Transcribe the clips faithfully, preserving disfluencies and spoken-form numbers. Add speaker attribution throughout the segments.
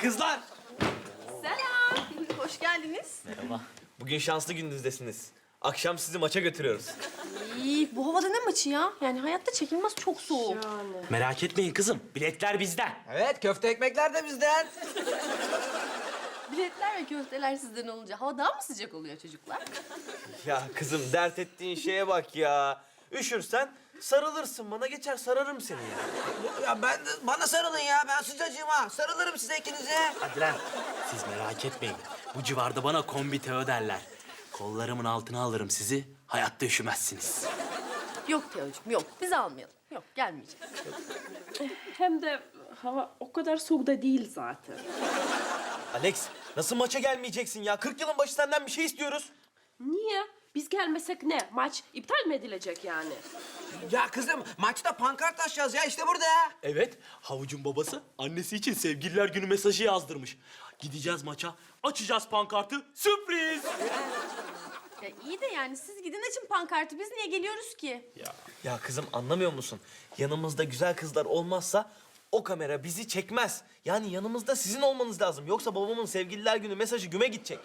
Speaker 1: Kızlar.
Speaker 2: Selam. Hoş geldiniz.
Speaker 1: Merhaba. Bugün şanslı gününüzdesiniz. Akşam sizi maça götürüyoruz.
Speaker 2: İyi, bu havada ne maçı ya? Yani hayatta çekilmez, çok soğuk.
Speaker 3: Merak etmeyin kızım. Biletler bizden.
Speaker 4: Evet, köfte ekmekler de bizden.
Speaker 2: Biletler ve köfteler sizden olunca hava daha mı sıcak oluyor çocuklar?
Speaker 1: Ya kızım dert ettiğin şeye bak ya. Üşürsen sarılırsın bana, geçer sararım seni ya.
Speaker 4: Ya ben de, bana sarılın ya. Ben sıcacığım ha. Sarılırım size ikinize.
Speaker 3: Hadi lan. Siz merak etmeyin. Bu civarda bana kombi Teo derler. Kollarımın altına alırım sizi. Hayatta üşümezsiniz.
Speaker 2: Yok Teocuğum, yok. Biz almayalım. Yok, gelmeyeceğiz.
Speaker 5: Hem de hava o kadar soğuk da değil zaten.
Speaker 1: Alex, nasıl maça gelmeyeceksin ya? kırk yılın başı senden bir şey istiyoruz.
Speaker 5: Niye? Biz gelmesek ne? Maç iptal mi edilecek yani?
Speaker 4: Ya kızım, maçta pankart açacağız ya. İşte burada.
Speaker 3: Evet, Havucun babası annesi için sevgililer günü mesajı yazdırmış. Gideceğiz maça, açacağız pankartı, sürpriz!
Speaker 2: Ya iyi de yani siz gidin açın pankartı. Biz niye geliyoruz ki?
Speaker 1: Ya kızım anlamıyor musun? Yanımızda güzel kızlar olmazsa o kamera bizi çekmez. Yani yanımızda sizin olmanız lazım. Yoksa babamın sevgililer günü mesajı güme gidecek.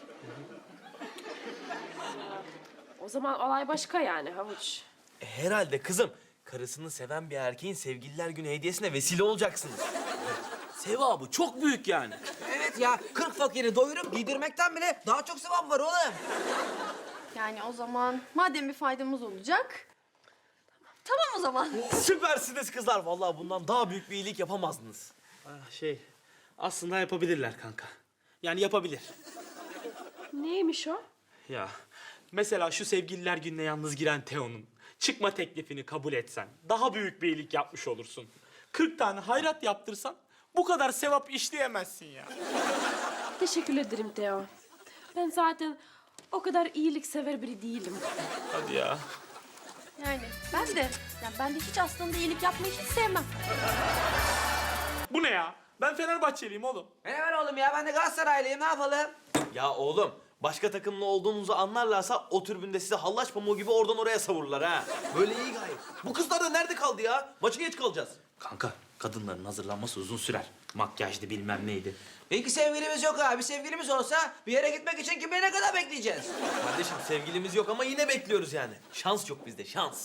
Speaker 5: O zaman olay başka yani Havuç.
Speaker 1: E, herhalde kızım. Karısını seven bir erkeğin sevgililer günü hediyesine vesile olacaksınız.
Speaker 3: Sevabı çok büyük yani.
Speaker 4: Evet ya, kırk fakiri doyurup giydirmekten bile daha çok sevap var oğlum.
Speaker 2: Yani o zaman madem bir faydamız olacak... Tamam o zaman.
Speaker 1: Süpersiniz kızlar. Vallahi bundan daha büyük bir iyilik yapamazdınız.
Speaker 3: Ah, şey, aslında yapabilirler kanka. Yani yapabilir.
Speaker 5: Neymiş o?
Speaker 3: Ya, mesela şu sevgililer gününe yalnız giren Teo'nun çıkma teklifini kabul etsen daha büyük bir iyilik yapmış olursun. kırk tane hayrat yaptırsan bu kadar sevap işleyemezsin ya.
Speaker 5: Teşekkür ederim Teo. Ben zaten o kadar iyiliksever biri değilim.
Speaker 3: Hadi ya.
Speaker 2: Yani ben de, yani ben de hiç aslında iyilik yapmayı hiç sevmem.
Speaker 3: Bu ne ya? Ben Fenerbahçeliyim oğlum.
Speaker 4: Ben hemen oğlum ya. Ben de Galatasaraylıyım. Ne yapalım?
Speaker 1: Ya oğlum, başka takımlı olduğunuzu anlarlarsa o tribünde size hallaç pamuğu gibi oradan oraya savururlar ha. Böyle iyi gayet. Bu kızlar da nerede kaldı ya? Maça geç kalacağız.
Speaker 3: Kanka, kadınların hazırlanması uzun sürer. Makyajdı bilmem neydi.
Speaker 4: İyi sevgilimiz yok abi. Sevgilimiz olsa bir yere gitmek için kim bilir ne kadar bekleyeceğiz.
Speaker 1: Kardeşim sevgilimiz yok ama yine bekliyoruz yani. Şans yok bizde, şans.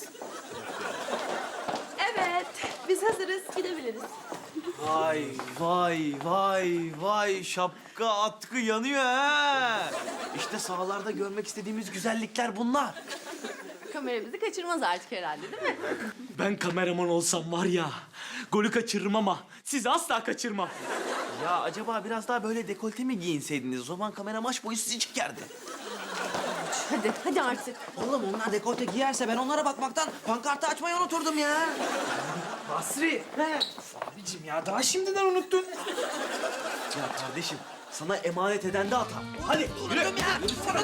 Speaker 5: Evet, biz hazırız, gidebiliriz.
Speaker 1: Vay vay vay vay şapka atkı yanıyor ha. İşte sahalarda görmek istediğimiz güzellikler bunlar.
Speaker 2: Kamera bizi kaçırmaz artık herhalde değil mi?
Speaker 3: Ben kameraman olsam var ya, golü kaçırırım ama sizi asla kaçırmam.
Speaker 1: Ya acaba biraz daha böyle dekolte mi giyinseydiniz? O zaman kamera maç boyu sizi çekerdi.
Speaker 2: Hadi, hadi artık.
Speaker 4: Oğlum onlar dekolte giyerse ben onlara bakmaktan pankartı açmayı unuturdum ya.
Speaker 1: Basri. He. Abicim ya daha şimdiden unuttun. Ya kardeşim sana emanet eden de hata. Hadi yürü.
Speaker 4: Unuttum ya.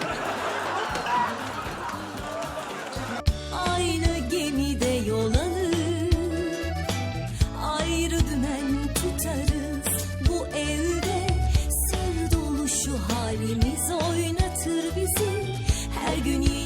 Speaker 6: Aynı gemide yol alır, ayrı dümen tutarız. Bu evde sır dolu şu halimiz oynatır bizi her gün.